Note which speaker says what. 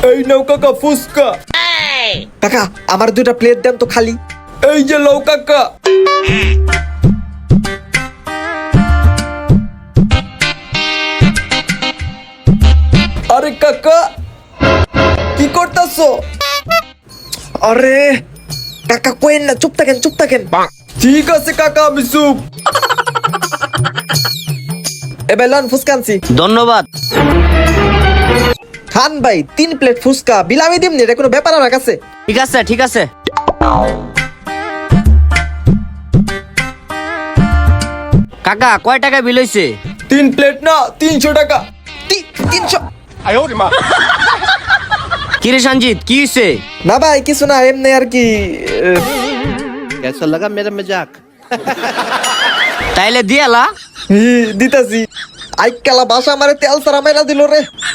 Speaker 1: এই নাও কাকা ফুচকা।
Speaker 2: কাকা আমার 2টা প্লেট দেন তো খালি।
Speaker 1: এই যে লও কাকা। আরে কাকা কি করতেছো?
Speaker 2: আরে কাকা কোয়েন না, চুপ থাকেন।
Speaker 1: ঠিক আছে কাকা, আমি চুপ।
Speaker 2: এবার লন ফুচকা আনছি।
Speaker 3: ধন্যবাদ।
Speaker 2: খান ভাই 3 প্লেট ফুচকা বিলামি দিমনি, এটা কোনো ব্যাপার আমার কাছে।
Speaker 3: ঠিক আছে। কাকা কয় টাকা বিল হইছে?
Speaker 1: 3 প্লেট না 300 টাকা।
Speaker 2: 300?
Speaker 3: কিরে সঞ্জিত কি হইছে?
Speaker 2: না ভাই কিছু না, এমনি আর কি।
Speaker 4: कैसा लगा मेरा मजाक?
Speaker 3: তাইলে দিয়ালা।
Speaker 2: দিতাছি। আইকালা বাসা আমারে তেল সারা মাইরা দিল রে।